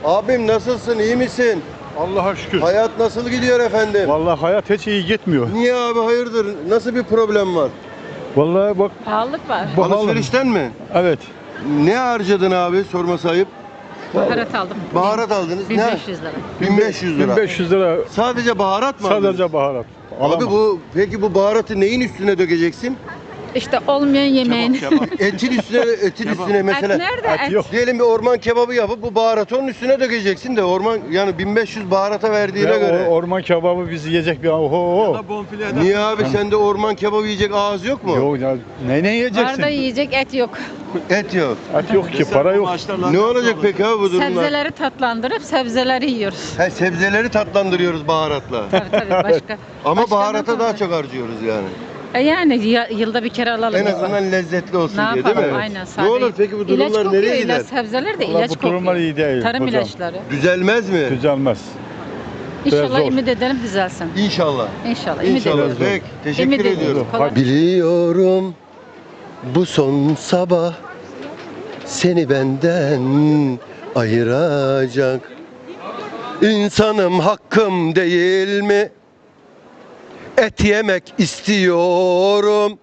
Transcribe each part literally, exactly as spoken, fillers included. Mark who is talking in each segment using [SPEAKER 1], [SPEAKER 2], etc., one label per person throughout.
[SPEAKER 1] Abim nasılsın, iyi misin?
[SPEAKER 2] Allah'a şükür.
[SPEAKER 1] Hayat nasıl gidiyor efendim?
[SPEAKER 2] Vallahi hayat hiç iyi gitmiyor.
[SPEAKER 1] Niye abi, hayırdır? Nasıl bir problem var?
[SPEAKER 2] Vallahi bak.
[SPEAKER 3] Pahalılık var.
[SPEAKER 2] Pahalı.
[SPEAKER 1] Alışverişten mi?
[SPEAKER 2] Evet.
[SPEAKER 1] Ne harcadın abi, sorması ayıp?
[SPEAKER 3] Baharat aldım.
[SPEAKER 1] Baharat aldınız.
[SPEAKER 3] bin
[SPEAKER 1] Ne?
[SPEAKER 3] beş yüz lira.
[SPEAKER 1] bin beş yüz lira.
[SPEAKER 2] bin beş yüz lira
[SPEAKER 1] Sadece baharat mı aldınız?
[SPEAKER 2] sadece baharat.
[SPEAKER 1] Abi
[SPEAKER 2] Alamam.
[SPEAKER 1] bu, peki bu baharatı neyin üstüne dökeceksin?
[SPEAKER 3] İşte olmayan yemeğin.
[SPEAKER 1] Etin üstüne, etin üstüne mesela.
[SPEAKER 3] Et nerede?
[SPEAKER 2] Et
[SPEAKER 3] Et,
[SPEAKER 2] yok.
[SPEAKER 1] Diyelim bir orman kebabı yapıp bu baharatı onun üstüne dökeceksin de orman, yani bin beş yüz baharata verdiğine
[SPEAKER 2] Ya
[SPEAKER 1] göre.
[SPEAKER 2] o orman kebabı bizi yiyecek bir oho.
[SPEAKER 1] Niye abi, sende orman kebabı yiyecek ağız yok mu?
[SPEAKER 2] Yok ya ne ne
[SPEAKER 3] Var
[SPEAKER 2] yiyeceksin?
[SPEAKER 3] da yiyecek et yok.
[SPEAKER 1] Et yok.
[SPEAKER 2] Et yok ki, para yok.
[SPEAKER 1] Ne olacak peki abi bu durumlar?
[SPEAKER 3] Sebzeleri tatlandırıp sebzeleri yiyoruz.
[SPEAKER 1] He, sebzeleri tatlandırıyoruz baharatla.
[SPEAKER 3] Tabii tabii başka.
[SPEAKER 1] Ama
[SPEAKER 3] başka
[SPEAKER 1] baharata
[SPEAKER 3] ne
[SPEAKER 1] daha
[SPEAKER 3] olacak?
[SPEAKER 1] çok harcıyoruz yani.
[SPEAKER 3] E yani ya- yılda bir kere alalım.
[SPEAKER 1] En azından lezzetli olsun
[SPEAKER 3] Ne
[SPEAKER 1] diye, değil
[SPEAKER 3] yapalım?
[SPEAKER 1] mi?
[SPEAKER 3] Aynen.
[SPEAKER 1] Ne
[SPEAKER 3] sade.
[SPEAKER 1] olur peki bu
[SPEAKER 3] İlaç
[SPEAKER 1] durumlar
[SPEAKER 3] kokuyor,
[SPEAKER 1] nereye gider?
[SPEAKER 3] ilaç, sebzeler de
[SPEAKER 2] Vallahi
[SPEAKER 3] ilaç
[SPEAKER 2] bu
[SPEAKER 3] kokuyor.
[SPEAKER 2] durumlar iyi değil
[SPEAKER 3] Tarım
[SPEAKER 2] hocam.
[SPEAKER 3] ilaçları.
[SPEAKER 1] Düzelmez mi?
[SPEAKER 2] Düzelmez.
[SPEAKER 3] İnşallah
[SPEAKER 2] zor.
[SPEAKER 3] ümit edelim düzelsin.
[SPEAKER 1] İnşallah.
[SPEAKER 3] İnşallah. Ümit
[SPEAKER 1] İnşallah.
[SPEAKER 3] ediyoruz.
[SPEAKER 1] Peki, teşekkür
[SPEAKER 3] Ümit ediyoruz.
[SPEAKER 1] ediyorum.
[SPEAKER 3] Kolay-
[SPEAKER 1] Biliyorum bu son sabah seni benden ayıracak. İnsanım, hakkım değil mi? Et yemek istiyorum.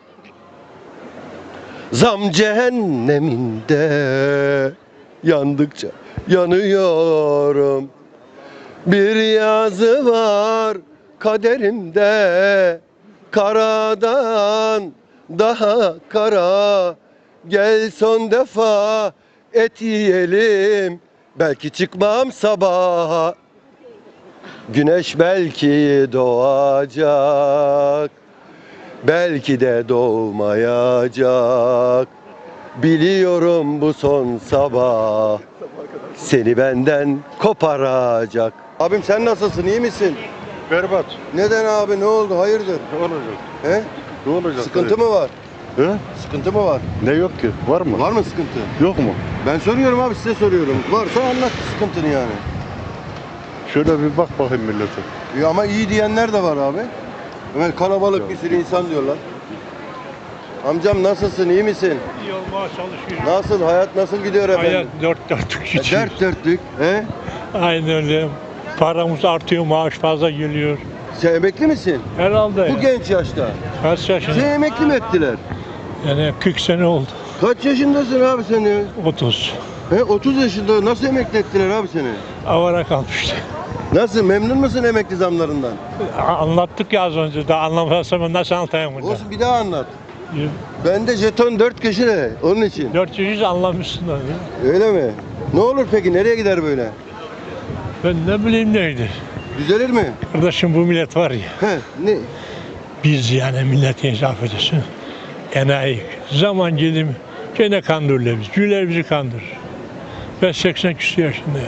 [SPEAKER 1] Zam cehenneminde yandıkça yanıyorum. Bir yazı var kaderimde, karadan daha kara. Gel son defa et yiyelim, belki çıkmam sabaha. Güneş belki doğacak, belki de doğmayacak. Biliyorum bu son sabah seni benden koparacak. Abim sen nasılsın, iyi misin?
[SPEAKER 2] Berbat.
[SPEAKER 1] Neden abi, ne oldu, hayırdır?
[SPEAKER 2] Ne olacak?
[SPEAKER 1] He?
[SPEAKER 2] Ne olacak?
[SPEAKER 1] Sıkıntı mı var?
[SPEAKER 2] He?
[SPEAKER 1] Sıkıntı mı var?
[SPEAKER 2] Ne yok ki? Var mı?
[SPEAKER 1] Var mı sıkıntı?
[SPEAKER 2] Yok mu?
[SPEAKER 1] Ben soruyorum abi, size soruyorum. Varsa anlat sıkıntını yani.
[SPEAKER 2] Şöyle bir bak bakayım millete.
[SPEAKER 1] Ya ama iyi diyenler de var abi. Hemen kalabalık bir sürü insan diyorlar. Amcam nasılsın, iyi misin?
[SPEAKER 4] İyi olmaya çalışıyoruz.
[SPEAKER 1] Nasıl, hayat nasıl gidiyor efendim?
[SPEAKER 4] Hayat dört dörtlük
[SPEAKER 1] E,
[SPEAKER 4] geçiyor.
[SPEAKER 1] dert dörtlük. He?
[SPEAKER 4] Aynen öyle. Paramız artıyor, maaş fazla geliyor.
[SPEAKER 1] Sen emekli misin?
[SPEAKER 4] Herhalde
[SPEAKER 1] Bu
[SPEAKER 4] ya.
[SPEAKER 1] genç yaşta.
[SPEAKER 4] Kaç
[SPEAKER 1] Seni
[SPEAKER 4] yaşında?
[SPEAKER 1] emekli mi ettiler?
[SPEAKER 4] Yani kırk sene oldu.
[SPEAKER 1] Kaç yaşındasın abi sen ya?
[SPEAKER 4] otuz.
[SPEAKER 1] He, otuz yaşında nasıl emekli ettiler abi seni?
[SPEAKER 4] Avara kalmıştı.
[SPEAKER 1] Nasıl, memnun musun emekli zamlarından?
[SPEAKER 4] Anlattık ya az önce. Daha anlamazsam nasıl anlatayım burada?
[SPEAKER 1] Olsun, bir daha anlat. Bende jeton dört köşede, onun için.
[SPEAKER 4] dört yüz anlamışsın da.
[SPEAKER 1] Öyle mi? Ne olur peki, nereye gider böyle?
[SPEAKER 4] Ben ne bileyim neydi.
[SPEAKER 1] Düzelir mi?
[SPEAKER 4] Kardeşim bu millet var ya.
[SPEAKER 1] He, ne?
[SPEAKER 4] Biz yani millete hesap ediyorsun. Enayi. Zaman gelim gene kandırırlar bizi. Güler bizi kandırır. Ben seksen küsur yaşındayım.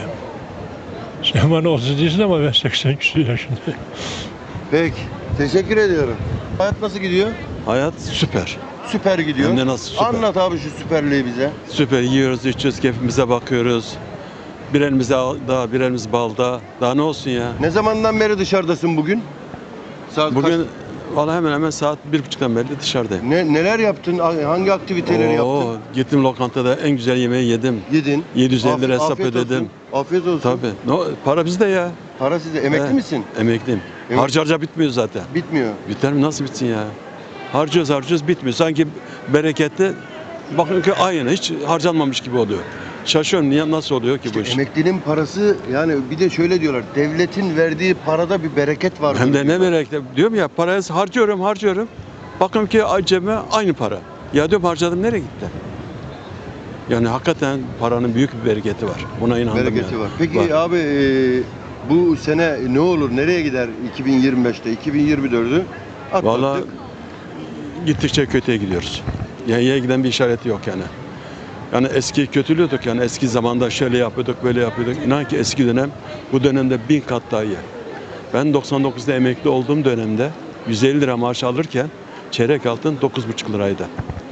[SPEAKER 4] Sen bana otuz değilsin ama ben seksen küsur yaşındayım.
[SPEAKER 1] Peki, teşekkür ediyorum. Hayat nasıl gidiyor?
[SPEAKER 5] Hayat süper.
[SPEAKER 1] Süper gidiyor.
[SPEAKER 5] Hem de nasıl süper?
[SPEAKER 1] Anlat abi şu süperliği bize.
[SPEAKER 5] Süper yiyoruz, içiyoruz, keyfimize bakıyoruz. Bir elimiz da, bir elimiz balda. Daha ne olsun ya?
[SPEAKER 1] Ne zamandan beri dışarıdasın bugün? Saat
[SPEAKER 5] Bugün valla hemen hemen saat bir buçuktan beri dışarıdayım.
[SPEAKER 1] Ne, neler yaptın? Hangi aktiviteleri
[SPEAKER 5] Oo,
[SPEAKER 1] yaptın?
[SPEAKER 5] Gittim lokantada en güzel yemeği yedim.
[SPEAKER 1] Yedin.
[SPEAKER 5] yedi yüz elli lira
[SPEAKER 1] Af-
[SPEAKER 5] hesap
[SPEAKER 1] afiyet
[SPEAKER 5] ödedim.
[SPEAKER 1] Olsun. Afiyet olsun.
[SPEAKER 5] Tabii. No, para bizde ya.
[SPEAKER 1] Para sizde. Emekli
[SPEAKER 5] He.
[SPEAKER 1] misin?
[SPEAKER 5] Emekliyim.
[SPEAKER 1] Emek-
[SPEAKER 5] Harca harca bitmiyor zaten.
[SPEAKER 1] Bitmiyor.
[SPEAKER 5] Biter mi? Nasıl bitsin ya? Harcıyoruz harcıyoruz bitmiyor. Sanki bereketli bakın ki aynı hiç harcanmamış gibi oluyor. Şaşıyorum niye nasıl oluyor ki bu iş?
[SPEAKER 1] Emeklinin parası, yani bir de şöyle diyorlar. Devletin verdiği parada bir bereket var.
[SPEAKER 5] Hem de ne bereketli. Diyorum ya parayı harcıyorum harcıyorum. Bakın ki cebime aynı para. Ya diyorum harcadım nereye gitti? Yani hakikaten paranın büyük bir bereketi var. Buna inandım
[SPEAKER 1] Bereketi
[SPEAKER 5] yani.
[SPEAKER 1] var. Peki
[SPEAKER 5] Var.
[SPEAKER 1] abi, e, bu sene ne olur? Nereye gider iki bin yirmi beşte? iki bin yirmi dördü atlattık.
[SPEAKER 5] Vallahi gittikçe kötüye gidiyoruz. Yani iyiye giden bir işareti yok yani. Yani eski kötülüyorduk yani eski zamanda şöyle yapıyorduk böyle yapıyorduk. İnan ki eski dönem bu dönemde bin kat daha iyi. Ben doksan dokuzda emekli olduğum dönemde yüz elli lira maaş alırken çeyrek altın dokuz buçuk liraydı.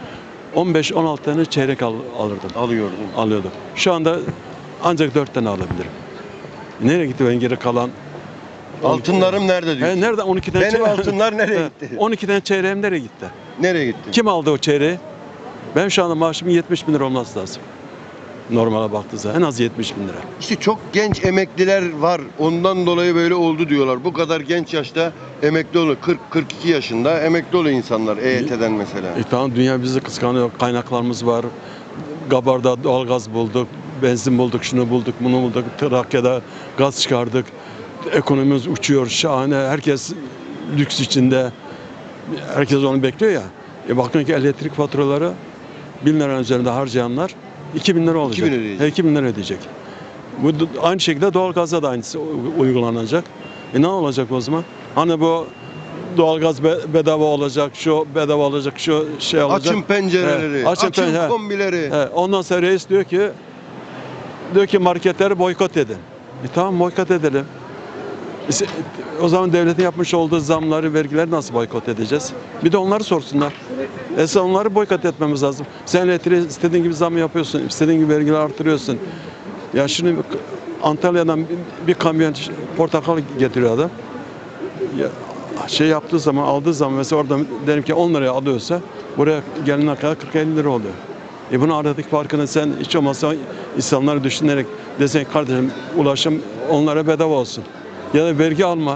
[SPEAKER 5] on beş on altı tane çeyrek al, alırdım.
[SPEAKER 1] Alıyordun.
[SPEAKER 5] Alıyordum. Şu anda ancak dört tane alabilirim. Nereye gitti ben geri kalan?
[SPEAKER 1] Altınlarım nerede diyorsun?
[SPEAKER 5] He, nerede on iki tane
[SPEAKER 1] Benim
[SPEAKER 5] çeyrek-
[SPEAKER 1] altınlar nereye
[SPEAKER 5] He,
[SPEAKER 1] gitti?
[SPEAKER 5] on iki tane çeyreğim nereye gitti?
[SPEAKER 1] Nereye gitti?
[SPEAKER 5] Kim aldı o çeyreği? Ben şu anda maaşımın yetmiş bin lira olması lazım. Normale baktığı zaman en az yetmiş bin lira.
[SPEAKER 1] İşte çok genç emekliler var. Ondan dolayı böyle oldu diyorlar. Bu kadar genç yaşta emekli oluyor. kırk kırk iki yaşında emekli oluyor insanlar E Y T'den mesela.
[SPEAKER 5] E tamam, dünya bizi kıskanıyor. Kaynaklarımız var. Gabar'da doğalgaz bulduk, benzin bulduk, şunu bulduk, bunu bulduk. Trakya'da gaz çıkardık. Ekonomimiz uçuyor, şahane. Herkes lüks içinde. Herkes onu bekliyor ya. E bakın ki elektrik faturaları bin liranın üzerinde harcayanlar iki bin lira olacak.
[SPEAKER 1] iki bin ödeyecek.
[SPEAKER 5] He, iki bin lira ödeyecek. Bu aynı şekilde doğalgazda da aynısı uygulanacak. E ne olacak o zaman? Hani bu doğalgaz be- bedava olacak, şu bedava olacak, şu şey olacak.
[SPEAKER 1] Açın pencereleri,
[SPEAKER 5] He,
[SPEAKER 1] açın,
[SPEAKER 5] açın pen- he.
[SPEAKER 1] kombileri.
[SPEAKER 5] He, ondan sonra reis diyor ki diyor ki marketleri boykot edin. E tamam, boykot edelim. İşte, o zaman devletin yapmış olduğu zamları, vergileri nasıl boykot edeceğiz? Bir de onları sorsunlar. Esas onları boykot etmemiz lazım. Sen elektriği istediğin gibi zam yapıyorsun, istediğin gibi vergileri artırıyorsun. Ya şimdi Antalya'dan bir, bir kamyon portakal getiriyor adam. Ya, şey yaptığı zaman, aldığı zaman mesela orada derim ki on liraya alıyorsa buraya gelene kadar kırk elli lira oluyor. E bunun aradaki farkını sen hiç olmazsa insanları düşünerek desen kardeşim ulaşım onlara bedava olsun. Ya da vergi alma.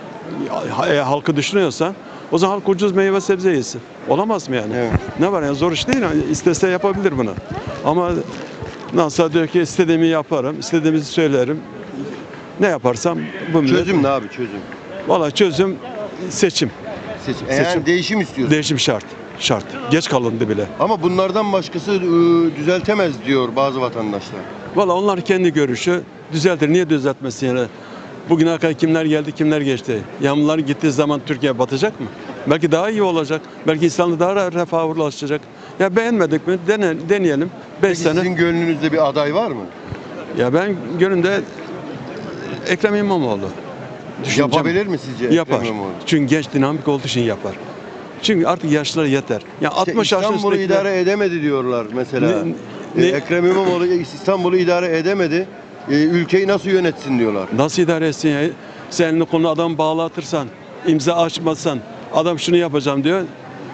[SPEAKER 5] E, halkı düşünüyorsan o zaman halk ucuz meyve sebze yesin. Olamaz mı yani?
[SPEAKER 1] Evet.
[SPEAKER 5] Ne var yani, zor iş değil. Yani istese yapabilir bunu. Ama nasıl diyor ki istediğimi yaparım, istediğimizi söylerim. Ne yaparsam bu millet-
[SPEAKER 1] Çözüm ne abi çözüm?
[SPEAKER 5] Valla çözüm seçim.
[SPEAKER 1] Seçim.
[SPEAKER 5] Seçim.
[SPEAKER 1] Yani değişim istiyorsun.
[SPEAKER 5] Değişim şart. Şart. Geç kalındı bile.
[SPEAKER 1] Ama bunlardan başkası ıı, düzeltemez diyor bazı vatandaşlar.
[SPEAKER 5] Valla onlar kendi görüşü düzeltir. Niye düzeltmesin yani? Bugüne kadar kimler geldi, kimler geçti? Yağmurlar gittiği zaman Türkiye batacak mı? Belki daha iyi olacak. Belki İslam'da daha refaha ulaşacak. Ya beğenmedik mi? Dene, deneyelim. beş
[SPEAKER 1] Peki
[SPEAKER 5] sene.
[SPEAKER 1] sizin gönlünüzde bir aday var mı?
[SPEAKER 5] Ya ben gönlümde Ekrem İmamoğlu. Düşüncem-
[SPEAKER 1] Yapabilir mi sizce Ekrem
[SPEAKER 5] Yapar.
[SPEAKER 1] İmamoğlu?
[SPEAKER 5] Çünkü genç dinamik olduğu için yapar. Çünkü artık yaşlılar yeter. Ya
[SPEAKER 1] İşte
[SPEAKER 5] altmış yaşın
[SPEAKER 1] İstanbul'u
[SPEAKER 5] üstündekiler-
[SPEAKER 1] idare edemedi diyorlar mesela.
[SPEAKER 5] Ne-
[SPEAKER 1] Ee,
[SPEAKER 5] ne-
[SPEAKER 1] Ekrem İmamoğlu İstanbul'u idare edemedi. Ee, ülkeyi nasıl yönetsin diyorlar.
[SPEAKER 5] Nasıl idare etsin ya? Sen elini kolunu adam bağlatırsan, imza açmazsan, adam şunu yapacağım diyor,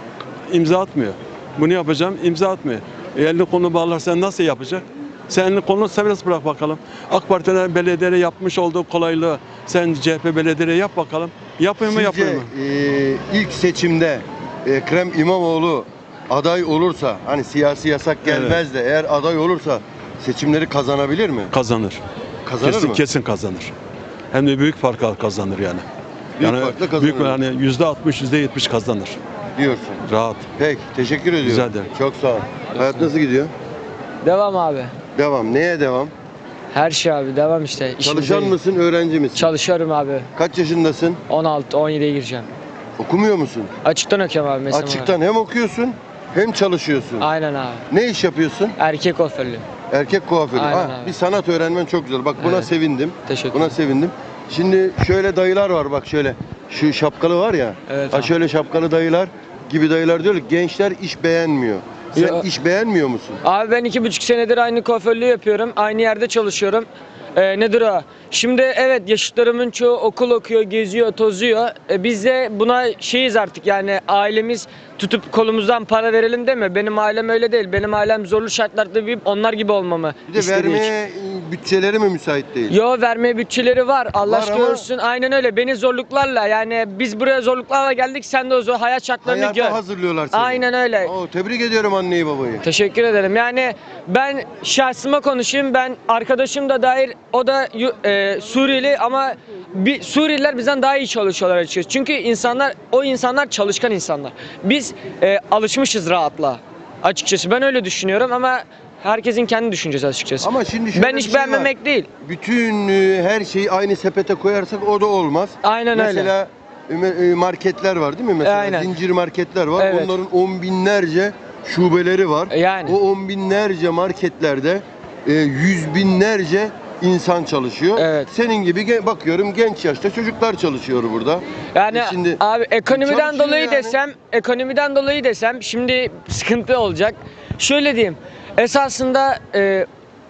[SPEAKER 5] imza atmıyor. Bunu yapacağım, imza atmıyor. E elini kolunu bağlarsan nasıl yapacak? Sen elini kolunu serbest bırak bakalım. AK Parti'nin belediyede yapmış olduğu kolaylığı sen C H P belediyede yap bakalım. Yapıyor mu
[SPEAKER 1] Sizce
[SPEAKER 5] yapıyor mu?
[SPEAKER 1] e, ilk seçimde Ekrem İmamoğlu aday olursa, hani siyasi yasak gelmez de eğer aday olursa seçimleri kazanabilir mi?
[SPEAKER 5] Kazanır.
[SPEAKER 1] Kazanır
[SPEAKER 5] kesin,
[SPEAKER 1] mı?
[SPEAKER 5] Kesin kazanır. Hem de büyük farkla kazanır yani.
[SPEAKER 1] Büyük
[SPEAKER 5] yani
[SPEAKER 1] farkla kazanır.
[SPEAKER 5] büyük yani yüzde altmış, yüzde yetmiş kazanır.
[SPEAKER 1] Diyorsun.
[SPEAKER 5] Rahat.
[SPEAKER 1] Peki, teşekkür ediyorum.
[SPEAKER 5] Rica ederim.
[SPEAKER 1] Çok sağ ol. Hayat nasıl gidiyor?
[SPEAKER 6] Devam abi.
[SPEAKER 1] Devam. Neye devam?
[SPEAKER 6] Her şey abi devam işte.
[SPEAKER 1] Çalışan
[SPEAKER 6] İşimize-
[SPEAKER 1] mısın, öğrenci misin?
[SPEAKER 6] Çalışıyorum abi.
[SPEAKER 1] Kaç yaşındasın?
[SPEAKER 6] on altı on yediye gireceğim.
[SPEAKER 1] Okumuyor musun?
[SPEAKER 6] Açıktan okuyorum abi mesela.
[SPEAKER 1] Açıktan hem okuyorsun hem çalışıyorsun.
[SPEAKER 6] Aynen abi.
[SPEAKER 1] Ne iş yapıyorsun?
[SPEAKER 6] Erkek kuaförlüğü.
[SPEAKER 1] Erkek kuaförü.
[SPEAKER 6] Aynen
[SPEAKER 1] Ha,
[SPEAKER 6] abi.
[SPEAKER 1] bir sanat öğrenmen çok güzel. Bak buna
[SPEAKER 6] Evet.
[SPEAKER 1] sevindim.
[SPEAKER 6] Teşekkür
[SPEAKER 1] Buna
[SPEAKER 6] ederim.
[SPEAKER 1] sevindim. Şimdi şöyle dayılar var bak şöyle. Şu şapkalı var ya.
[SPEAKER 6] Evet
[SPEAKER 1] Ha
[SPEAKER 6] abi.
[SPEAKER 1] şöyle şapkalı dayılar gibi dayılar diyor ki gençler iş beğenmiyor. Sen
[SPEAKER 6] Ya-
[SPEAKER 1] iş beğenmiyor musun?
[SPEAKER 6] Abi ben iki buçuk senedir aynı kuaförlüğü yapıyorum. Aynı yerde çalışıyorum. Ee, nedir o? Şimdi evet yaşıtlarımın çoğu okul okuyor, geziyor, tozuyor. Ee, biz de buna şeyiz artık yani ailemiz tutup kolumuzdan para verelim deme. Benim ailem öyle değil. Benim ailem zorlu şartlarda büyüyüp onlar gibi olmamı
[SPEAKER 1] Bir de
[SPEAKER 6] istediği için.
[SPEAKER 1] vermeye bütçeleri mi müsait değil?
[SPEAKER 6] Yo vermeye bütçeleri var. Allah
[SPEAKER 1] Var
[SPEAKER 6] aşkına
[SPEAKER 1] ama-
[SPEAKER 6] görsün. Aynen öyle. Beni zorluklarla yani biz buraya zorluklarla geldik. Sen de o zor hayat şartlarını
[SPEAKER 1] Hayata
[SPEAKER 6] gör.
[SPEAKER 1] hazırlıyorlar seni.
[SPEAKER 6] Aynen öyle.
[SPEAKER 1] Oo, tebrik ediyorum anneyi babayı.
[SPEAKER 6] Teşekkür ederim. Yani ben şahsıma konuşayım. Ben arkadaşım da dair o da yu- e, Suriyeli ama bir Suriyeliler bizden daha iyi çalışıyorlar açıkçası. Çünkü insanlar o insanlar çalışkan insanlar. Biz e, alışmışız rahatla. Açıkçası ben öyle düşünüyorum ama herkesin kendi düşüncesi açıkçası.
[SPEAKER 1] Ama şimdi şöyle
[SPEAKER 6] ben
[SPEAKER 1] bir
[SPEAKER 6] hiç
[SPEAKER 1] şey var.
[SPEAKER 6] beğenmemek değil.
[SPEAKER 1] Bütün e, her şeyi aynı sepete koyarsak o da olmaz.
[SPEAKER 6] Aynen öyle.
[SPEAKER 1] Mesela e, marketler var değil mi? Mesela
[SPEAKER 6] Aynen.
[SPEAKER 1] zincir marketler var.
[SPEAKER 6] Evet.
[SPEAKER 1] Onların on binlerce şubeleri var.
[SPEAKER 6] Yani.
[SPEAKER 1] O on binlerce marketlerde e, yüz binlerce insan çalışıyor.
[SPEAKER 6] Evet.
[SPEAKER 1] Senin gibi ge- bakıyorum genç yaşta çocuklar çalışıyor burada.
[SPEAKER 6] Yani
[SPEAKER 1] E şimdi
[SPEAKER 6] abi ekonomiden
[SPEAKER 1] çalışıyor
[SPEAKER 6] dolayı
[SPEAKER 1] yani.
[SPEAKER 6] desem, ekonomiden dolayı desem şimdi sıkıntı olacak. Şöyle diyeyim. Esasında e,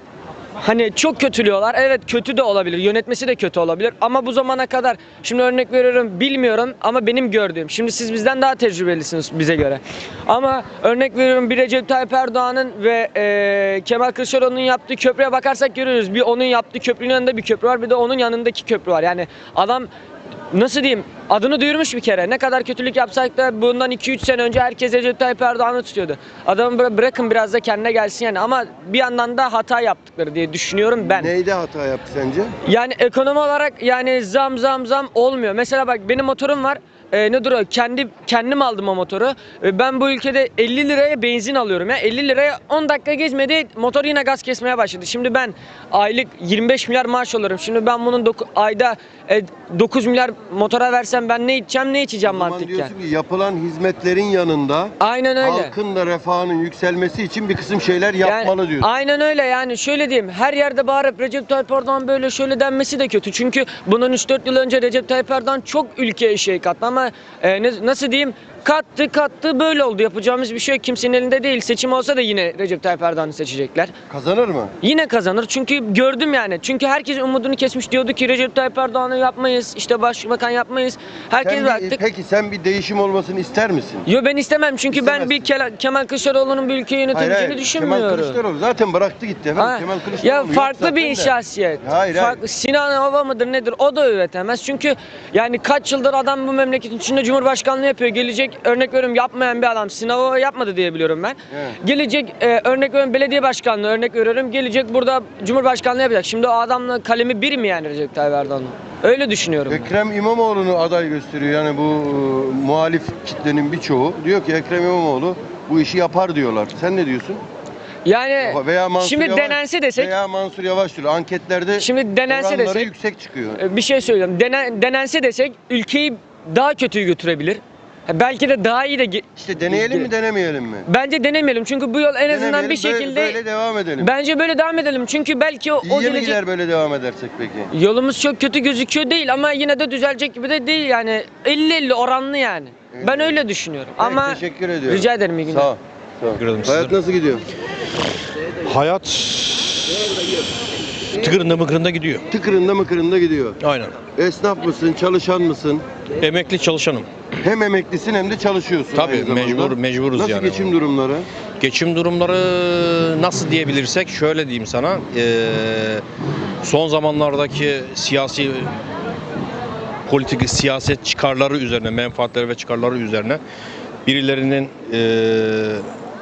[SPEAKER 6] Hani çok kötülüyorlar. Evet, kötü de olabilir. Yönetmesi de kötü olabilir. Ama bu zamana kadar, şimdi örnek veriyorum, bilmiyorum ama benim gördüğüm. Şimdi siz bizden daha tecrübelisiniz bize göre. Ama örnek veriyorum, bir Recep Tayyip Erdoğan'ın ve e, Kemal Kılıçdaroğlu'nun yaptığı köprüye bakarsak görüyoruz. Bir onun yaptığı köprünün yanında bir köprü var, bir de onun yanındaki köprü var. Yani adam, nasıl diyeyim, adını duyurmuş bir kere. Ne kadar kötülük yapsak da bundan iki üç sene önce herkes Recep Tayyip Erdoğan'ı tutuyordu. Adamı bıra- bırakın biraz da kendine gelsin yani. Ama bir yandan da hata yaptıkları diye düşünüyorum ben.
[SPEAKER 1] Neyde hata yaptı sence?
[SPEAKER 6] Yani ekonomi olarak yani zam zam zam olmuyor. Mesela bak, benim motorum var. Ee, nedir o? Kendi kendim aldım o motoru. Ee, ben bu ülkede elli liraya benzin alıyorum ya. elli liraya on dakika geçmedi, motor yine gaz kesmeye başladı. Şimdi ben aylık yirmi beş milyar maaş alıyorum. Şimdi ben bunun doku- ayda e, dokuz milyar motora versem ben ne içeceğim, ne içeceğim
[SPEAKER 1] O zaman
[SPEAKER 6] mantıken.
[SPEAKER 1] diyorsun ki yapılan hizmetlerin yanında
[SPEAKER 6] Aynen öyle.
[SPEAKER 1] halkın da refahının yükselmesi için bir kısım şeyler yapmalı
[SPEAKER 6] Yani,
[SPEAKER 1] diyorsun.
[SPEAKER 6] aynen öyle yani, şöyle diyeyim, her yerde bağırıp Recep Tayyip Erdoğan böyle şöyle denmesi de kötü. Çünkü bundan üç dört yıl önce Recep Tayyip Erdoğan çok ülkeye şey kattı ama e, ne, nasıl diyeyim, kattı kattı böyle oldu. Yapacağımız bir şey yok. Kimsenin elinde değil. Seçim olsa da yine Recep Tayyip Erdoğan'ı seçecekler.
[SPEAKER 1] Kazanır mı?
[SPEAKER 6] Yine kazanır çünkü gördüm yani. Çünkü herkes umudunu kesmiş, diyordu ki Recep Tayyip Erdoğan'ı yapmayız, işte başbakan yapmayız. Herkes
[SPEAKER 1] Sen bir-
[SPEAKER 6] baktık.
[SPEAKER 1] peki sen bir değişim olmasını ister misin?
[SPEAKER 6] Yo, ben istemem çünkü ben
[SPEAKER 1] İstemezsin.
[SPEAKER 6] bir Kela- Kemal Kılıçdaroğlu'nun bir ülkeyi
[SPEAKER 1] Hayır,
[SPEAKER 6] yönetebileceğini
[SPEAKER 1] hayır.
[SPEAKER 6] düşünmüyorum.
[SPEAKER 1] Kemal Kılıçdaroğlu zaten bıraktı gitti efendim.
[SPEAKER 6] Ha,
[SPEAKER 1] Kemal Kılıçdaroğlu
[SPEAKER 6] ya
[SPEAKER 1] yok
[SPEAKER 6] farklı
[SPEAKER 1] zaten
[SPEAKER 6] bir
[SPEAKER 1] de.
[SPEAKER 6] şahsiyet.
[SPEAKER 1] Hayır,
[SPEAKER 6] Farklı,
[SPEAKER 1] hayır.
[SPEAKER 6] Sinan Hava mıdır nedir, o da üretemez. Çünkü yani kaç yıldır adam bu memleketin içinde Cumhurbaşkanlığı yapıyor. Gelecek, örnek veriyorum, yapmayan bir adam. Sinan Hava yapmadı diye biliyorum ben.
[SPEAKER 1] Evet.
[SPEAKER 6] Gelecek e, örnek veriyorum, belediye başkanlığı örnek veriyorum. Gelecek burada Cumhurbaşkanlığı yapacak. Şimdi o adamla kalemi bir mi yani Recep Tayyip Erdoğan'ın? Öyle düşünüyorum. ben.
[SPEAKER 1] Ekrem İmamoğlu'nu aday gösteriyor. Yani bu e, muhalif kitlenin birçoğu diyor ki Ekrem İmamoğlu bu işi yapar diyorlar. Sen ne diyorsun?
[SPEAKER 6] Yani
[SPEAKER 1] Veya Mansur
[SPEAKER 6] şimdi
[SPEAKER 1] Yavaş,
[SPEAKER 6] denense desek,
[SPEAKER 1] veya Mansur Yavaş diyor. Anketlerde
[SPEAKER 6] şimdi denense
[SPEAKER 1] oranları
[SPEAKER 6] desek,
[SPEAKER 1] yüksek çıkıyor.
[SPEAKER 6] e, bir şey söyleyeyim. Denen, denense desek ülkeyi daha kötüye götürebilir. Ha, belki de daha iyi de ge-
[SPEAKER 1] İşte deneyelim mi denemeyelim mi?
[SPEAKER 6] Bence denemeyelim çünkü bu yol en azından
[SPEAKER 1] Denemeyelim,
[SPEAKER 6] bir
[SPEAKER 1] böyle-
[SPEAKER 6] şekilde
[SPEAKER 1] böyle devam edelim.
[SPEAKER 6] bence böyle devam edelim çünkü belki o, o
[SPEAKER 1] İyiye mi
[SPEAKER 6] gelecek
[SPEAKER 1] gider böyle devam edersek peki?
[SPEAKER 6] yolumuz çok kötü gözüküyor değil ama yine de düzelecek gibi de değil yani, elli elli oranlı yani. Ben
[SPEAKER 1] Evet.
[SPEAKER 6] öyle düşünüyorum
[SPEAKER 1] Peki,
[SPEAKER 6] ama
[SPEAKER 1] teşekkür ediyorum.
[SPEAKER 6] rica ederim, iyi günler.
[SPEAKER 1] Sağ ol. Sağ ol.
[SPEAKER 7] Teşekkür ederim
[SPEAKER 1] Hayat
[SPEAKER 7] size.
[SPEAKER 1] nasıl gidiyor?
[SPEAKER 7] Hayat tıkırında mıkırında gidiyor.
[SPEAKER 1] Tıkırında mıkırında gidiyor.
[SPEAKER 7] Aynen.
[SPEAKER 1] Esnaf mısın, çalışan mısın?
[SPEAKER 7] Emekli çalışanım.
[SPEAKER 1] Hem emeklisin hem de çalışıyorsun
[SPEAKER 7] Tabii,
[SPEAKER 1] aynı zamanda.
[SPEAKER 7] mecbur- mecburuz
[SPEAKER 1] Nasıl
[SPEAKER 7] yani.
[SPEAKER 1] geçim durumları?
[SPEAKER 7] Geçim durumları nasıl diyebilirsek şöyle diyeyim sana. Ee, son zamanlardaki siyasi politik siyaset çıkarları üzerine, menfaatleri ve çıkarları üzerine birilerinin ee,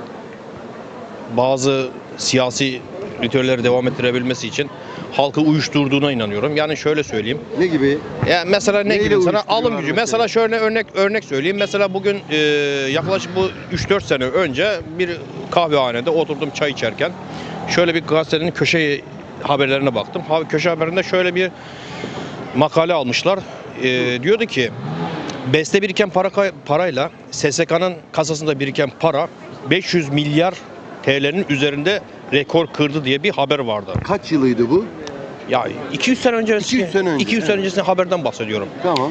[SPEAKER 7] bazı siyasi ritüelleri devam ettirebilmesi için halkı uyuşturduğuna inanıyorum. Yani şöyle söyleyeyim.
[SPEAKER 1] Ne gibi?
[SPEAKER 7] Ya mesela ne
[SPEAKER 1] Neyle
[SPEAKER 7] gibi sana
[SPEAKER 1] uyuşturuyorlar
[SPEAKER 7] alım gücü.
[SPEAKER 1] mesela?
[SPEAKER 7] Mesela şöyle örnek örnek söyleyeyim. Mesela bugün e, yaklaşık bu üç dört sene önce bir kahvehanede oturdum çay içerken şöyle bir gazetenin köşe haberlerine baktım. Ha, köşe haberinde şöyle bir makale almışlar. E, diyordu ki beste biriken para parayla S S K'nın kasasında biriken para beş yüz milyar T L'nin üzerinde rekor kırdı diye bir haber vardı.
[SPEAKER 1] Kaç yılıydı bu?
[SPEAKER 7] Ya iki yüz sene önce
[SPEAKER 1] iki yüz sene önce,
[SPEAKER 7] iki yüz sene
[SPEAKER 1] evet.
[SPEAKER 7] öncesinde haberden bahsediyorum.
[SPEAKER 1] Tamam.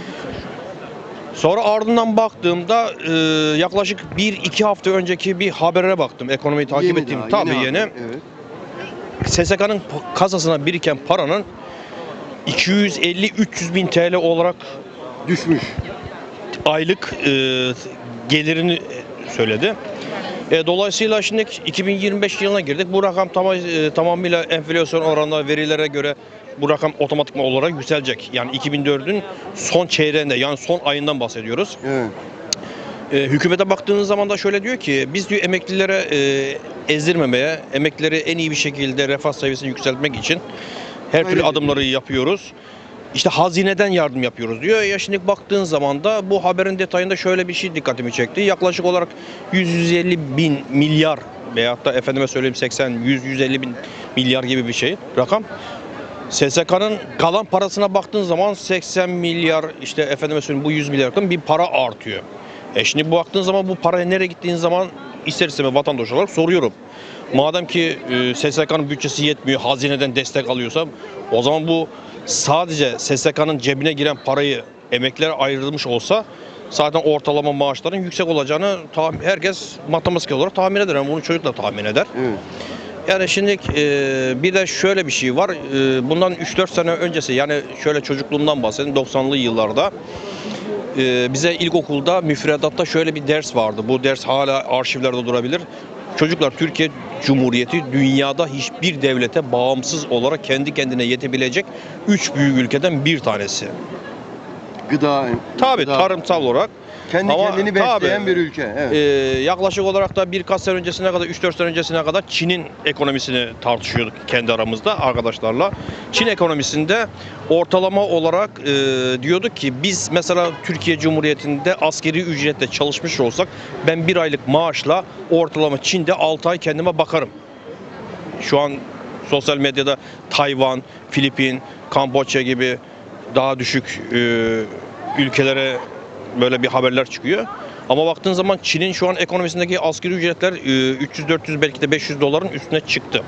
[SPEAKER 7] Sonra ardından baktığımda e, yaklaşık bir iki hafta önceki bir habere baktım. Ekonomiyi takip
[SPEAKER 1] Yeni
[SPEAKER 7] ettiğim
[SPEAKER 1] daha,
[SPEAKER 7] tabii
[SPEAKER 1] yeni
[SPEAKER 7] yeni.
[SPEAKER 1] haber, Evet.
[SPEAKER 7] S S K'nın kasasına biriken paranın iki yüz elli üç yüz bin T L olarak
[SPEAKER 1] Düşmüş.
[SPEAKER 7] aylık e, gelirini söyledi. E, dolayısıyla şimdi iki bin yirmi beş yılına girdik. Bu rakam tamam, e, tamamıyla enflasyon oranına, verilere göre bu rakam otomatikman olarak yükselecek. Yani iki bin dördün son çeyreğinde, yani son ayından bahsediyoruz.
[SPEAKER 1] Evet.
[SPEAKER 7] E, hükümete baktığınız zaman da şöyle diyor ki biz diyor emeklilere e, ezdirmemeye, emeklileri en iyi bir şekilde refah seviyesini yükseltmek için her
[SPEAKER 1] Öyle
[SPEAKER 7] türlü
[SPEAKER 1] diyor.
[SPEAKER 7] adımları yapıyoruz. İşte hazineden yardım yapıyoruz diyor. Ya şimdi baktığın zaman da bu haberin detayında şöyle bir şey dikkatimi çekti. Yaklaşık olarak yüz yüz elli bin milyar veyahut da efendime söyleyeyim seksen yüz yüz elli bin milyar gibi bir şey rakam. S S K'nın kalan parasına baktığın zaman seksen milyar işte efendime söyleyeyim bu yüz milyardan bir para artıyor. E şimdi bu baktığın zaman bu paraya nereye gittiğin zaman ister istemez vatandaş olarak soruyorum. Madem ki e, S S K'nın bütçesi yetmiyor, hazineden destek alıyorsa o zaman bu sadece S S K'nın cebine giren parayı emeklilere ayrılmış olsa zaten ortalama maaşların yüksek olacağını tahmin, herkes matematik olarak tahmin eder. Yani bunu çocuk da tahmin eder.
[SPEAKER 1] Evet.
[SPEAKER 7] Yani şimdi e, bir de şöyle bir şey var. E, bundan üç dört sene öncesi, yani şöyle çocukluğumdan bahsedeyim, doksanlı yıllarda e, bize ilkokulda müfredatta şöyle bir ders vardı. Bu ders hala arşivlerde durabilir. Çocuklar, Türkiye Cumhuriyeti dünyada hiçbir devlete bağımsız olarak kendi kendine yetebilecek üç büyük ülkeden bir tanesi.
[SPEAKER 1] Gıda,
[SPEAKER 7] Tabii
[SPEAKER 1] gıda,
[SPEAKER 7] tarımsal olarak.
[SPEAKER 1] kendi
[SPEAKER 7] Ama
[SPEAKER 1] kendini besleyen
[SPEAKER 7] tabii,
[SPEAKER 1] bir ülke. Evet.
[SPEAKER 7] Ee, yaklaşık olarak da birkaç sene öncesine kadar, üç dört sene öncesine kadar Çin'in ekonomisini tartışıyorduk kendi aramızda arkadaşlarla. Çin ekonomisinde ortalama olarak e, diyorduk ki biz mesela Türkiye Cumhuriyeti'nde askeri ücretle çalışmış olsak ben bir aylık maaşla ortalama Çin'de altı ay kendime bakarım. Şu an sosyal medyada Tayvan, Filipin, Kamboçya gibi daha düşük e, ülkelere böyle bir haberler çıkıyor. Ama baktığın zaman Çin'in şu an ekonomisindeki asgari ücretler e, üç yüz dört yüz belki de beş yüz doların üstüne çıktı.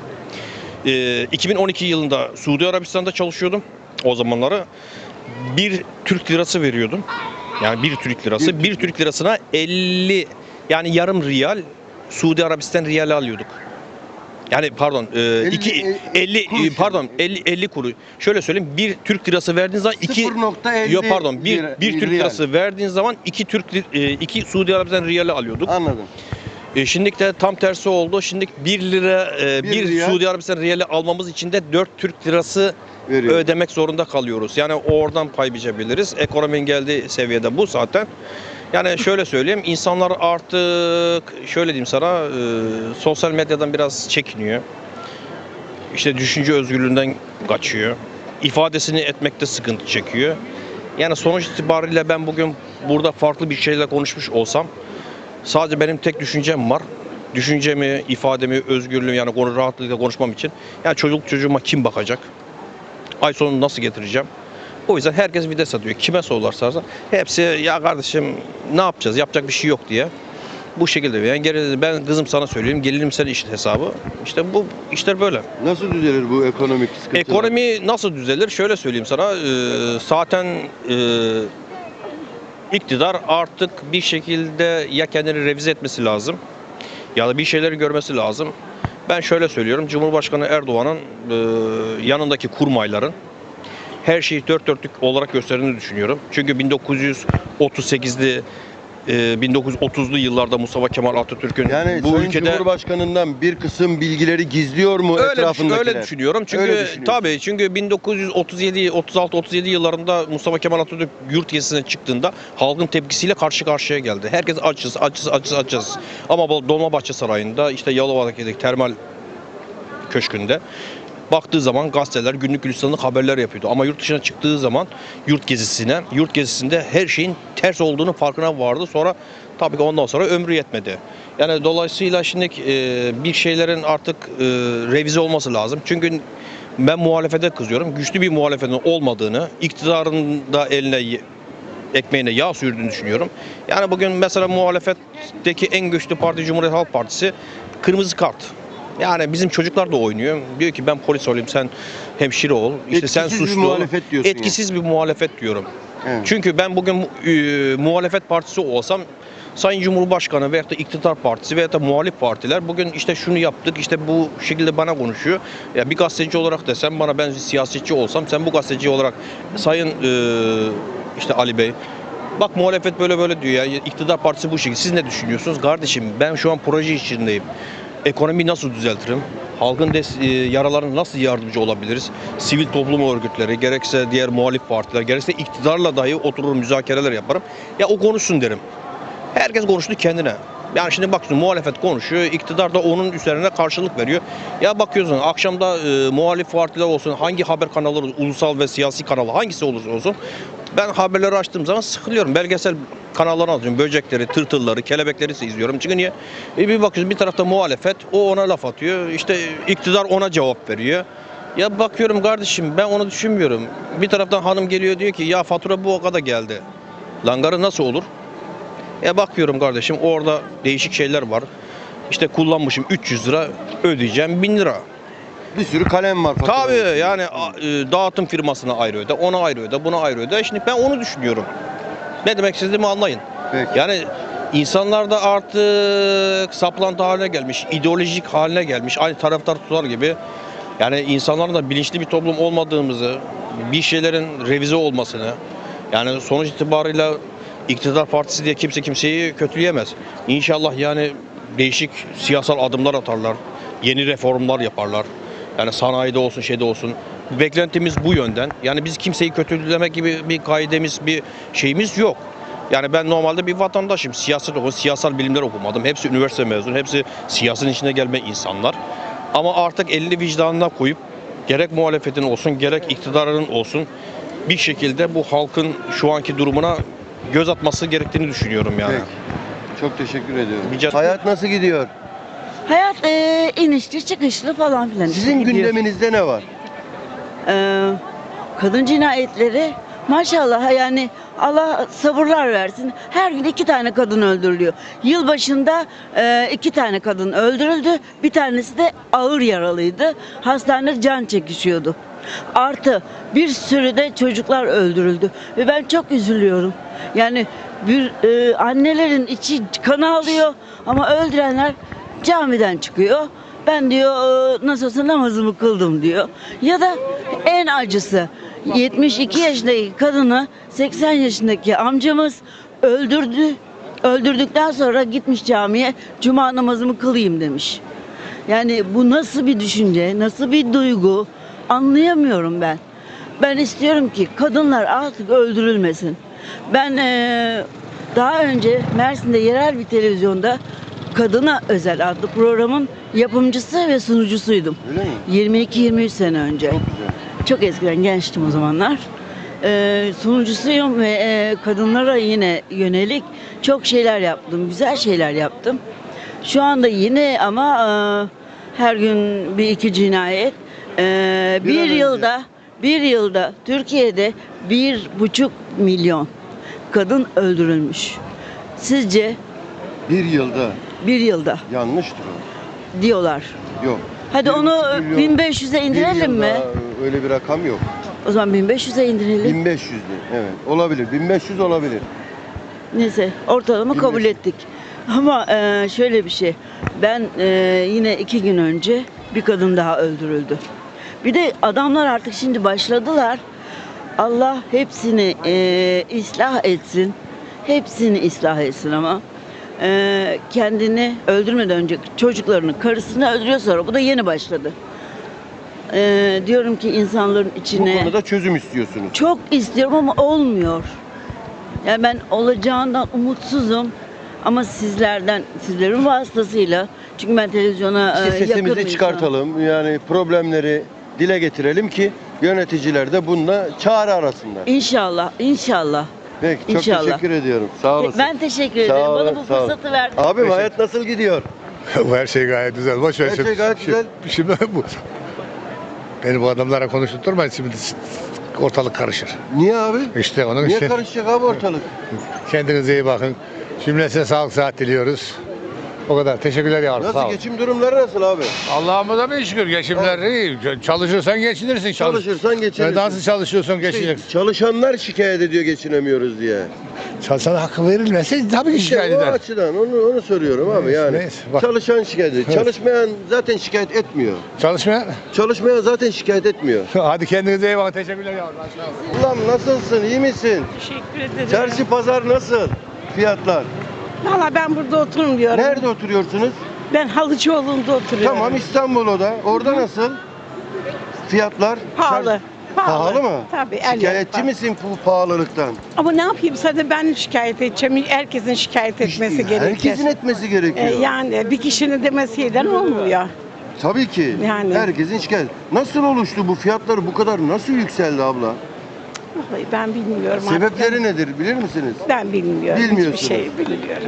[SPEAKER 7] E, iki bin on iki yılında Suudi Arabistan'da çalışıyordum o zamanları. Bir Türk lirası veriyordum. Yani bir Türk lirası.
[SPEAKER 1] Bir-
[SPEAKER 7] Bir Türk lirasına elli, yani yarım riyal Suudi Arabistan riyali alıyorduk. Yani pardon, e,
[SPEAKER 1] elli,
[SPEAKER 7] iki,
[SPEAKER 1] e,
[SPEAKER 7] elli,
[SPEAKER 1] kuruş
[SPEAKER 7] pardon
[SPEAKER 1] yani.
[SPEAKER 7] elli, elli kuruş. Şöyle söyleyeyim, bir Türk lirası verdiğiniz zaman iki
[SPEAKER 1] sıfır nokta elli
[SPEAKER 7] Yok pardon, bir,
[SPEAKER 1] lira-
[SPEAKER 7] bir Türk
[SPEAKER 1] riyal.
[SPEAKER 7] lirası verdiğin zaman iki Türk li- e, iki Suudi Arabistan riyali alıyorduk.
[SPEAKER 1] Anladım.
[SPEAKER 7] E, şimdi de tam tersi oldu. Şimdi bir lira e,
[SPEAKER 1] Bir
[SPEAKER 7] bir,
[SPEAKER 1] riyal.
[SPEAKER 7] Suudi Arabistan riyali almamız için de dört Türk lirası
[SPEAKER 1] Veriyor.
[SPEAKER 7] ödemek zorunda kalıyoruz. Yani oradan pay biçebiliriz. Ekonominin geldiği seviyede bu zaten. Yani şöyle söyleyeyim, insanlar artık şöyle diyeyim sana, e, sosyal medyadan biraz çekiniyor. İşte düşünce özgürlüğünden kaçıyor. İfadesini etmekte sıkıntı çekiyor. Yani sonuç itibariyle ben bugün burada farklı bir şeyle konuşmuş olsam sadece benim tek düşüncem var. Düşüncemi, ifademi, özgürlüğümü, yani konu rahatlıkla konuşmam için. Yani çocuk çocuğuma kim bakacak? Ay sonunu nasıl getireceğim? O yüzden herkes vites atıyor. Kime sorularsa hepsi ya kardeşim ne yapacağız? Yapacak bir şey yok diye. Bu şekilde. Yani geri, ben kızım sana söyleyeyim, gelirim sen işte hesabı. İşte bu işler böyle.
[SPEAKER 1] Nasıl düzelir bu ekonomik sıkıntılar?
[SPEAKER 7] Ekonomi nasıl düzelir? Şöyle söyleyeyim sana. e, zaten e, iktidar artık bir şekilde ya kendini revize etmesi lazım ya da bir şeyleri görmesi lazım. Ben şöyle söylüyorum. Cumhurbaşkanı Erdoğan'ın e, yanındaki kurmayların her şeyi dört dörtlük olarak gösterdiğini düşünüyorum. Çünkü bin dokuz yüz otuz sekizli e, bin dokuz yüz otuzlu yıllarda Mustafa Kemal Atatürk'ün
[SPEAKER 1] Yani
[SPEAKER 7] bu
[SPEAKER 1] Sayın
[SPEAKER 7] ülkede
[SPEAKER 1] Cumhurbaşkanı'ndan bir kısım bilgileri gizliyor mu
[SPEAKER 7] Öyle,
[SPEAKER 1] etrafındakiler?
[SPEAKER 7] öyle düşünüyorum. Çünkü
[SPEAKER 1] Öyle düşünüyorsun.
[SPEAKER 7] tabii çünkü bin dokuz yüz otuz yedi, otuz altı, otuz yedi yıllarında Mustafa Kemal Atatürk yurt gezisine çıktığında halkın tepkisiyle karşı karşıya geldi. Herkes açız, açız, açız, açız. Ama bu Dolmabahçe Sarayı'nda, işte Yalova'daki termal köşkünde baktığı zaman gazeteler günlük gülistanlık haberler yapıyordu. Ama yurt dışına çıktığı zaman yurt gezisine, yurt gezisinde her şeyin ters olduğunu farkına vardı. Sonra tabii ki ondan sonra ömrü yetmedi. Yani dolayısıyla şimdi e, bir şeylerin artık e, revize olması lazım. Çünkü ben muhalefete kızıyorum. Güçlü bir muhalefetin olmadığını, iktidarın da eline ekmeğine yağ sürdüğünü düşünüyorum. Yani bugün mesela muhalefetteki en güçlü parti Cumhuriyet Halk Partisi kırmızı kart. Yani bizim çocuklar da oynuyor. Diyor ki ben polis olayım, sen hemşire ol. İşte sen
[SPEAKER 1] Etkisiz bir
[SPEAKER 7] suçlu ol.
[SPEAKER 1] muhalefet diyorsun
[SPEAKER 7] Etkisiz bir muhalefet diyorum.
[SPEAKER 1] Evet.
[SPEAKER 7] Çünkü ben bugün e, muhalefet partisi olsam Sayın Cumhurbaşkanı veyahut da iktidar partisi veyahut da muhalif partiler bugün işte şunu yaptık, işte bu şekilde bana konuşuyor. Ya bir gazeteci olarak desem bana, ben siyasetçi olsam, sen bu gazeteci olarak Sayın e, işte Ali Bey, bak muhalefet böyle böyle diyor ya, iktidar partisi bu şekilde. Siz ne düşünüyorsunuz? Kardeşim ben şu an proje içindeyim. Ekonomiyi nasıl düzeltirim? Halkın des- e, yaralarına nasıl yardımcı olabiliriz? Sivil toplum örgütleri, gerekse diğer muhalif partiler, gerekse iktidarla dahi oturur müzakereler yaparım. Ya o konuşsun derim. Herkes konuştu kendine. Yani şimdi bak, şimdi muhalefet konuşuyor, iktidar da onun üzerine karşılık veriyor. Ya bakıyorsun akşamda e, muhalif partiler olsun, hangi haber kanalları, ulusal ve siyasi kanalı hangisi olursa olsun, ben haberleri açtığım zaman sıkılıyorum. Belgesel kanallarını alıyorum. Böcekleri, tırtılları, kelebekleri izliyorum. Çünkü niye? E bir bakıyorsun bir tarafta muhalefet, o ona laf atıyor. İşte iktidar ona cevap veriyor. Ya bakıyorum kardeşim, ben onu düşünmüyorum. Bir taraftan hanım geliyor diyor ki ya fatura bu o kadar geldi. Langarı nasıl olur? E bakıyorum kardeşim, orada değişik şeyler var. İşte kullanmışım üç yüz lira, ödeyeceğim bin lira.
[SPEAKER 1] Bir sürü kalem var. faturada.
[SPEAKER 7] Tabii yani a- e, dağıtım firmasına ayrı öde, ona ayrı öde, buna ayrı öde. Şimdi ben onu düşünüyorum. Ne demek istediğimi anlayın.
[SPEAKER 1] Peki.
[SPEAKER 7] Yani İnsanlar da artık saplantı haline gelmiş, ideolojik haline gelmiş. Aynı taraftar tutar gibi. Yani insanların da bilinçli bir toplum olmadığımızı, bir şeylerin revize olmasını, yani sonuç itibarıyla iktidar partisi diye kimse kimseyi kötüleyemez. İnşallah yani değişik siyasal adımlar atarlar, yeni reformlar yaparlar. Yani sanayide olsun, şeyde olsun. Beklentimiz bu yönden. Yani biz kimseyi kötülemek gibi bir kaidemiz, bir şeyimiz yok. Yani ben normalde bir vatandaşım. Siyaset okudum, siyasal bilimler okumadım. Hepsi üniversite mezunu, hepsi siyasetin içine gelme insanlar. Ama artık elini vicdanına koyup gerek muhalefetin olsun, gerek iktidarın olsun bir şekilde bu halkın şu anki durumuna göz atması gerektiğini düşünüyorum yani.
[SPEAKER 1] Peki. Çok teşekkür ediyorum.
[SPEAKER 7] Rica-
[SPEAKER 1] Hayat nasıl gidiyor?
[SPEAKER 8] Hayat eee, inişli çıkışlı falan filan. işte
[SPEAKER 1] Sizin
[SPEAKER 8] gidiyor.
[SPEAKER 1] gündeminizde ne var?
[SPEAKER 8] Eee, kadın cinayetleri maşallah yani Allah sabırlar versin. Her gün iki tane kadın öldürülüyor. Yılbaşında eee, iki tane kadın öldürüldü. Bir tanesi de ağır yaralıydı. Hastanede can çekişiyordu. Artı bir sürü de çocuklar öldürüldü. Ve ben çok üzülüyorum. Yani bir eee, annelerin içi kan ağlıyor ama öldürenler camiden çıkıyor. Ben diyor "Ee, nasıl olsa namazımı kıldım" diyor. Ya da en acısı yetmiş iki yaşındaki kadını seksen yaşındaki amcamız öldürdü. Öldürdükten sonra gitmiş camiye cuma namazımı kılayım demiş. Yani bu nasıl bir düşünce, nasıl bir duygu anlayamıyorum ben. Ben istiyorum ki kadınlar artık öldürülmesin. Ben eee, daha önce Mersin'de yerel bir televizyonda Kadına Özel adlı programın yapımcısı ve sunucusuydum.
[SPEAKER 1] Öyle mi?
[SPEAKER 8] yirmi iki yirmi üç sene önce.
[SPEAKER 1] Çok güzel.
[SPEAKER 8] Çok eskiden gençtim o zamanlar. Ee, sunucusuyum ve e, kadınlara yine yönelik çok şeyler yaptım. Güzel şeyler yaptım. Şu anda yine ama e, her gün bir iki cinayet. Ee,
[SPEAKER 1] Bir
[SPEAKER 8] bir
[SPEAKER 1] an önce.
[SPEAKER 8] yılda bir yılda Türkiye'de bir buçuk milyon kadın öldürülmüş. Sizce
[SPEAKER 1] Bir yılda
[SPEAKER 8] bir yılda
[SPEAKER 1] yanlıştır o.
[SPEAKER 8] diyorlar.
[SPEAKER 1] Yok.
[SPEAKER 8] Hadi
[SPEAKER 1] Bir
[SPEAKER 8] onu
[SPEAKER 1] buçuk milyon,
[SPEAKER 8] bin beş yüze
[SPEAKER 1] bir
[SPEAKER 8] indirelim mi?
[SPEAKER 1] yılda öyle bir rakam yok.
[SPEAKER 8] O zaman bin beş yüze indirelim.
[SPEAKER 1] bin beş yüz de, evet olabilir. bin beş yüz olabilir.
[SPEAKER 8] Neyse ortalama
[SPEAKER 1] bin
[SPEAKER 8] kabul
[SPEAKER 1] beş yüz.
[SPEAKER 8] ettik. Ama e, şöyle bir şey. Ben e, yine iki gün önce bir kadın daha öldürüldü. Bir de adamlar artık şimdi başladılar. Allah hepsini e, ıslah etsin. Hepsini ıslah etsin ama. E, kendini öldürmeden önce çocuklarını, karısını öldürüyor sonra. Bu da yeni başladı. E, diyorum ki insanların
[SPEAKER 1] Bu
[SPEAKER 8] içine...
[SPEAKER 1] konuda çözüm istiyorsunuz.
[SPEAKER 8] Çok istiyorum ama olmuyor. Yani ben olacağından umutsuzum. Ama sizlerden, sizlerin vasıtasıyla, çünkü ben televizyona
[SPEAKER 1] İşte
[SPEAKER 8] e, yakın bir
[SPEAKER 1] sesimizi
[SPEAKER 8] insanım.
[SPEAKER 1] çıkartalım. Yani problemleri dile getirelim ki yöneticiler de bununla çağrı arasınlar.
[SPEAKER 8] İnşallah, inşallah.
[SPEAKER 1] Peki çok
[SPEAKER 8] İnşallah.
[SPEAKER 1] teşekkür ediyorum. Sağ olasın.
[SPEAKER 8] Ben teşekkür
[SPEAKER 1] Sağ
[SPEAKER 8] ederim.
[SPEAKER 1] olun,
[SPEAKER 8] Bana bu
[SPEAKER 1] sağ olun.
[SPEAKER 8] fırsatı verdin.
[SPEAKER 1] Abim hayat nasıl gidiyor?
[SPEAKER 9] Her şey gayet güzel. Boş ver
[SPEAKER 1] Her
[SPEAKER 9] şimdi.
[SPEAKER 1] şey gayet
[SPEAKER 9] Şimdi-
[SPEAKER 1] güzel.
[SPEAKER 9] Şimdi bu. Beni bu adamlara konuşturmayın şimdi ortalık karışır.
[SPEAKER 1] Niye abi?
[SPEAKER 9] İşte onun
[SPEAKER 1] Niye
[SPEAKER 9] için
[SPEAKER 1] karışacak abi ortalık?
[SPEAKER 9] kendinize iyi bakın. Cümlesine sağlık sıhhat diliyoruz. O kadar. Teşekkürler yavrum. Sağ
[SPEAKER 1] Nasıl
[SPEAKER 9] ol.
[SPEAKER 1] geçim durumları nasıl abi?
[SPEAKER 9] Allah'ımıza bin şükür geçimler iyi. Çalışırsan geçinirsin. Çalış.
[SPEAKER 1] Çalışırsan geçinirsin.
[SPEAKER 9] Nasıl çalışıyorsun
[SPEAKER 1] İşte
[SPEAKER 9] geçineceksin.
[SPEAKER 1] çalışanlar şikayet ediyor geçinemiyoruz diye.
[SPEAKER 9] Çalışana hakkı verilmezse tabii ki şikayet
[SPEAKER 1] İşte o
[SPEAKER 9] eder.
[SPEAKER 1] açıdan onu onu soruyorum abi
[SPEAKER 9] Neyse,
[SPEAKER 1] yani.
[SPEAKER 9] neyse, bak.
[SPEAKER 1] Çalışan şikayet ediyor.
[SPEAKER 9] Evet.
[SPEAKER 1] Çalışmayan zaten şikayet etmiyor.
[SPEAKER 9] Çalışmaya.
[SPEAKER 1] Çalışmayan zaten şikayet etmiyor.
[SPEAKER 9] Hadi kendinize iyi bakın. Teşekkürler yavrum.
[SPEAKER 1] Ulan nasılsın? İyi misin?
[SPEAKER 10] Teşekkür ederim.
[SPEAKER 1] Çarşı pazar nasıl? Fiyatlar.
[SPEAKER 10] Valla ben burada oturmuyorum.
[SPEAKER 1] Nerede oturuyorsunuz?
[SPEAKER 10] Ben Halıcıoğlu'nda oturuyorum.
[SPEAKER 1] Tamam İstanbul'da. Orada nasıl? Fiyatlar?
[SPEAKER 10] Pahalı.
[SPEAKER 1] Çar-
[SPEAKER 10] Pahalı.
[SPEAKER 1] Pahalı mı?
[SPEAKER 10] Tabii. el
[SPEAKER 1] Şikayetçi
[SPEAKER 10] yapma.
[SPEAKER 1] misin bu pahalılıktan?
[SPEAKER 10] Ama ne yapayım zaten ben şikayet edeceğim. Herkesin şikayet etmesi
[SPEAKER 1] İşte
[SPEAKER 10] gerekiyor.
[SPEAKER 1] Herkesin etmesi gerekiyor.
[SPEAKER 10] Ee, yani bir kişinin demesiyle olmuyor.
[SPEAKER 1] Tabii ki.
[SPEAKER 10] Yani.
[SPEAKER 1] Herkesin şikayet. Nasıl oluştu bu fiyatlar bu kadar nasıl yükseldi abla?
[SPEAKER 10] Vallahi ben bilmiyorum.
[SPEAKER 1] Sebepleri
[SPEAKER 10] artık.
[SPEAKER 1] nedir bilir misiniz?
[SPEAKER 10] Ben bilmiyorum.
[SPEAKER 1] Bilmiyorsunuz.
[SPEAKER 10] Hiçbir şey bilmiyorum.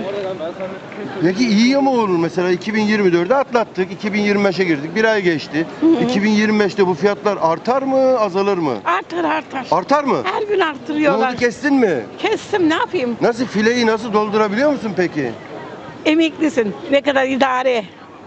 [SPEAKER 1] Peki iyi mi olur mesela iki bin yirmi dördü atlattık, iki bin yirmi beşe girdik, bir ay geçti. iki bin yirmi beşte bu fiyatlar artar mı, azalır mı?
[SPEAKER 10] Artar artar.
[SPEAKER 1] Artar mı?
[SPEAKER 10] Her gün
[SPEAKER 1] Ne
[SPEAKER 10] arttırıyorlar.
[SPEAKER 1] oldu kestin mi?
[SPEAKER 10] Kestim ne yapayım?
[SPEAKER 1] Nasıl fileyi nasıl doldurabiliyor musun peki?
[SPEAKER 10] Emeklisin. Ne kadar idare.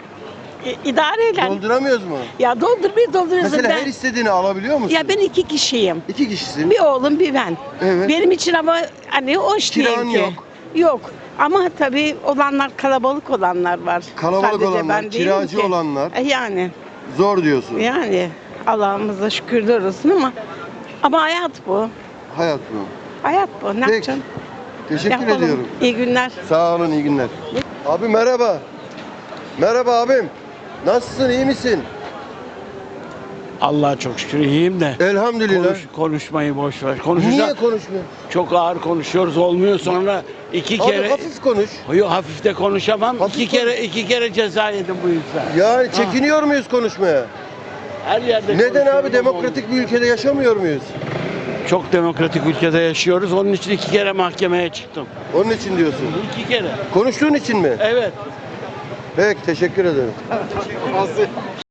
[SPEAKER 10] İ- idare eyle.
[SPEAKER 1] Dolduramıyoruz mu?
[SPEAKER 10] Ya doldurmayı dolduruyorsun.
[SPEAKER 1] Mesela
[SPEAKER 10] ben...
[SPEAKER 1] her istediğini alabiliyor musun?
[SPEAKER 10] Ya ben iki kişiyim.
[SPEAKER 1] İki kişisin.
[SPEAKER 10] Bir oğlum bir ben.
[SPEAKER 1] Evet.
[SPEAKER 10] Benim için ama hani hoş
[SPEAKER 1] Kiran
[SPEAKER 10] değil ki.
[SPEAKER 1] yok.
[SPEAKER 10] Yok. Ama tabii olanlar, kalabalık olanlar var.
[SPEAKER 1] Kalabalık
[SPEAKER 10] Sadece
[SPEAKER 1] olanlar,
[SPEAKER 10] ben değilim
[SPEAKER 1] kiracı
[SPEAKER 10] ki.
[SPEAKER 1] olanlar.
[SPEAKER 10] E, Yani,
[SPEAKER 1] Zor diyorsun.
[SPEAKER 10] yani Allah'ımıza şükürler olsun ama ama hayat bu.
[SPEAKER 1] Hayat bu.
[SPEAKER 10] Hayat bu. Ne
[SPEAKER 1] Peki.
[SPEAKER 10] yapacaksın?
[SPEAKER 1] Teşekkür
[SPEAKER 10] Yapalım.
[SPEAKER 1] ediyorum.
[SPEAKER 10] İyi günler.
[SPEAKER 1] Sağ olun, iyi günler. Abi merhaba. Merhaba abim. Nasılsın, iyi misin?
[SPEAKER 11] Allah'a çok şükür iyiyim de.
[SPEAKER 1] Elhamdülillah.
[SPEAKER 11] Konuş, konuşmayı boş ver. Konuşacak.
[SPEAKER 1] Niye konuşmuyorsun?
[SPEAKER 11] Çok ağır konuşuyoruz olmuyor sonra iki
[SPEAKER 1] Abi
[SPEAKER 11] kere.
[SPEAKER 1] hafif konuş.
[SPEAKER 11] Yok hafif de konuşamam.
[SPEAKER 1] Hafif
[SPEAKER 11] iki kere iki kere ceza yedim bu yüzden.
[SPEAKER 1] Yani çekiniyor muyuz konuşmaya?
[SPEAKER 11] Her yerde
[SPEAKER 1] Neden
[SPEAKER 11] konuşuyorum
[SPEAKER 1] abi,
[SPEAKER 11] ama
[SPEAKER 1] demokratik bir ülkede yaşamıyor muyuz?
[SPEAKER 11] olmuyor. Çok demokratik ülkede yaşıyoruz. Onun için iki kere mahkemeye çıktım.
[SPEAKER 1] Onun için diyorsun.
[SPEAKER 11] İki kere.
[SPEAKER 1] Konuştuğun için mi?
[SPEAKER 11] Evet.
[SPEAKER 1] Peki, teşekkür ederim.